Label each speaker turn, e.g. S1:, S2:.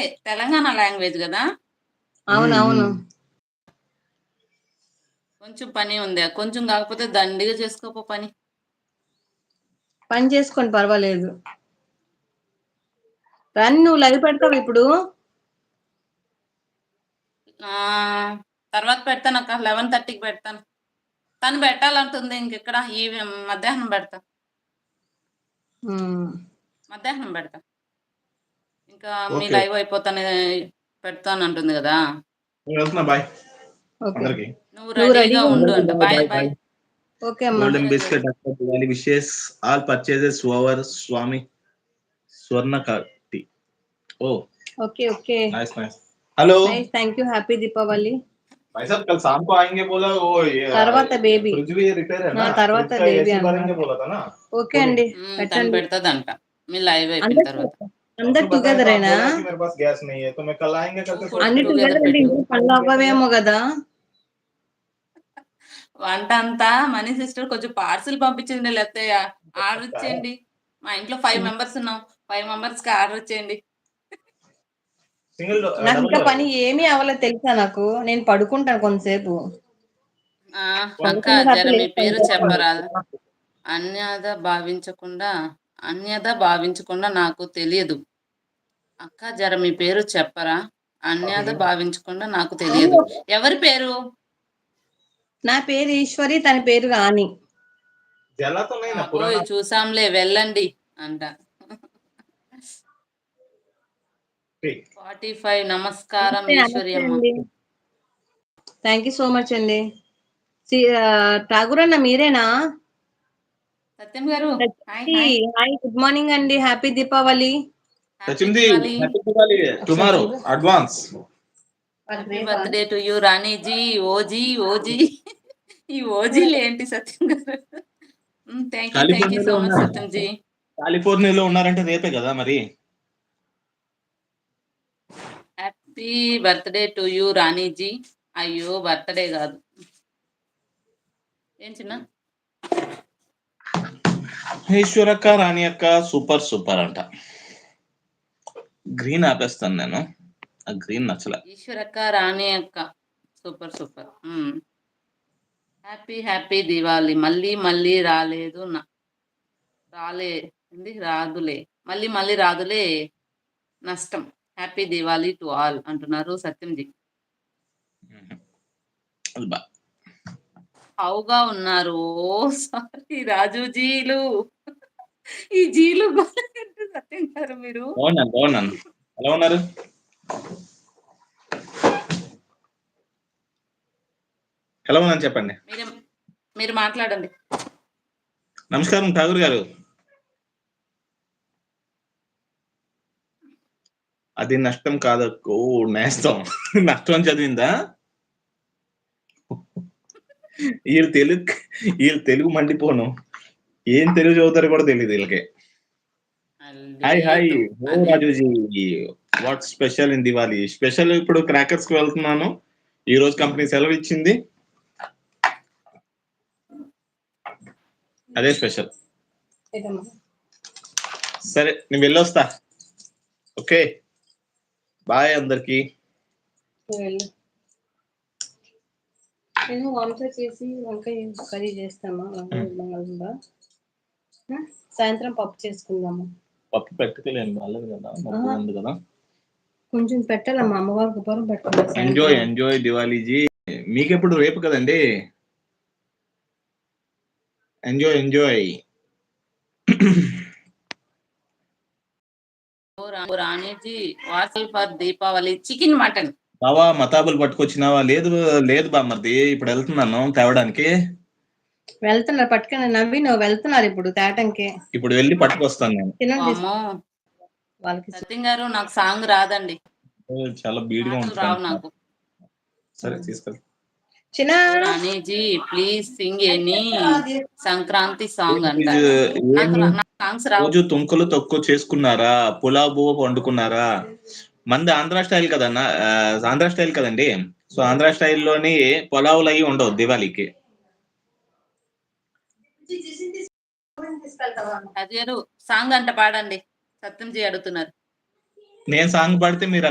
S1: Telangana language కదా.
S2: అవునవును.
S1: కొంచెం పని ఉంది, కొంచెం కాకపోతే దండిగా చేసుకోపో పని.
S2: పని చేసుకోండి, పర్వాలేదు. రాని నువ్వు లైవ్ పెడతావు ఇప్పుడు?
S1: తర్వాత పెడతాను అక్క, 11:30కి పెడతాను. తను పెట్టాలంటుంది ఇంకెక్కడ, ఈ మధ్యాహ్నం పెడతా. మధ్యాహ్నం పెడతా. ఇంకా మీ లైవ్ అయిపోతానే పెడతాను అంటుంది కదా.
S3: బాయ్.
S1: నువ్వు రెడీగా ఉండు అంట. Bye bye.
S2: ఓకే అమ్మా.
S3: Golden biscuit Diwali wishes all purchases over స్వామి స్వర్ణ కట్టి.
S2: Okay okay,
S3: nice nice. Hello
S2: nice, thank you. Happy Deepavali.
S3: भाई साहब कल शाम को आएंगे बोला, वो
S2: తర్వాత బేబీ.
S3: फ्रिज भी रिपेयर है ना,
S2: తర్వాత
S3: फ्रिज का
S2: బేబీ
S3: एसी भरेंगे बोला था ना.
S2: ఓకే అండి,
S1: తను
S2: పెట్టండి.
S1: పెడతాదంట మీ లైవ్ అయిపోయిన తర్వాత.
S2: అందరు టుగెదరేనా?
S3: मेरे पास गैस नहीं है तो मैं कल आएंगे करके.
S2: అన్ని టుగెదర్ అంటే ఇంట్లో పనులు అవ్వవేమో కదా.
S1: వంట అంతా మనీ సిస్టర్ కొంచెం పార్సిల్ పంపించండి, లేకపోతే ఆర్డర్ ఇచ్చేయండి. మా ఇంట్లో 5 మెంబర్స్ ఉన్నాం, 5 మెంబర్స్ కి ఆర్డర్ ఇచ్చేయండి.
S2: నాకు ఇంకా పని ఏమీ అవ్వలేదు తెలుసా. నాకు నేను పడుకుంటాను కొంతసేపు.
S1: అక్క జర మీ పేరు చెప్పరాదు. అన్యద భావించకుండా నాకు తెలియదు. అక్క జర మీ పేరు చెప్పరా. అన్యద భావించకుండా నాకు తెలియదు. ఎవరి పేరు?
S2: నా పేరు ఈశ్వరి, తన పేరు రాణి.
S1: చూసాంలే, వెళ్ళండి అంట. 45 నమస్కారం ఈశ్వరి అమ్మ.
S2: థ్యాంక్ యూ సో మచ్ అండి. ఠాగూర్ అన్న మీరేనా?
S1: Satyam garu
S2: hi, good morning అండి. Happy Deepavali.
S3: Tomorrow advance.
S1: Happy birthday to you Raniji. ఓజీ ఓజీ ఈ ఓజీలు ఏంటి Satyam garu? Thank you so much Satyam ji.
S3: కాలిఫోర్నియాలో ఉన్నారంటే రేపే కదా మరి.
S1: Happy birthday to you Raniji. అయ్యో బర్త్డే కాదు, ఏం చిన్న
S3: ఈశ్వరక్క రాణి అక్క సూపర్ సూపర్ అంట. గ్రీన్ ఆపేస్తాను నేను, ఆ గ్రీన్ నచ్చలే.
S1: ఈశ్వరక్క రాణి అక్క super super. Happy happy Diwali. మళ్ళీ మళ్ళీ రాదులే, మళ్ళీ మళ్ళీ రాదులే నష్టం. హ్యాపీ దివాళీ టు ఆల్ అంటున్నారు సత్యంజీ. హౌగా ఉన్నారు? సారీ రాజుజీలు, ఈ జీలు సత్యం గారు మీరు.
S3: బాగున్నాను. ఎలా ఉన్నారు? ఎలా ఉన్నాను చెప్పండి.
S1: మీరు మాట్లాడండి.
S3: నమస్కారం ఠాగూర్ గారు. అది నష్టం కాదక్కో, నేస్తం. నష్టం అని చదివిందా? వీళ్ళు తెలుగు మండిపోను, ఏం తెలుగు చదువుతారో కూడా తెలియదు వీళ్ళకి. హాయ్ ఓ Rajuji, what special in Diwali? Special ఇప్పుడు క్రాకర్స్ కి వెళ్తున్నాను. ఈ రోజు కంపెనీ సెలవు ఇచ్చింది, అదే స్పెషల్. సరే నేను వెళ్ళొస్తా. ఓకే బాయ్ అందరికి.
S2: నేను వంట చేసి వంకాయ కర్రీ చేస్తామా, సాయంత్రం పప్పు చేసుకుందాము.
S3: పప్పు పెట్టుకోలేను కదా,
S2: కొంచెం పెట్టాలమ్మా, అమ్మవారికి ఉపరం పెట్టాలి.
S3: ఎంజాయ్ దివాళీజీ. మీకెప్పుడు రేపు కదండి. ఎంజాయ్.
S1: రాణిజీ వాసల్ ఫర్ దీపావళి చికెన్ మటన్.
S3: బావా మతాబులు పట్టుకొచ్చినావా? లేదు బామ్మర్ది, ఇప్పుడు వెళ్తున్నాను తేవడానికి.
S2: వెళ్తున్నారు పట్టుకుని, నవ్వి నువ్వు వెళ్తున్నారు ఇప్పుడు తేటంకి.
S3: ఇప్పుడు వెళ్ళి పట్టుకొస్తాను నేను.
S1: సత్యం గారు నాకు సాంగ్ రాదండి,
S3: చాలా బీడ్గా
S1: రావు నాకు.
S3: సరే తీసుకెళ్ళి.
S1: Raniji please sing any Sankranti song అంట.
S3: రోజు తుంకలు తక్కువ చేసుకున్నారా? పులావ్ బువ్వ వండుకున్నారా? మంది ఆంధ్ర స్టైల్ కదన్నా, ఆంధ్ర స్టైల్ కదండి. సో ఆంధ్ర స్టైల్లోని పులావులు అవి ఉండవు దివాళీకి.
S1: సాంగ్ అంట పాడండి, సత్యంజీ అడుగుతున్నారు.
S3: నేను సాంగ్ పాడితే మీరు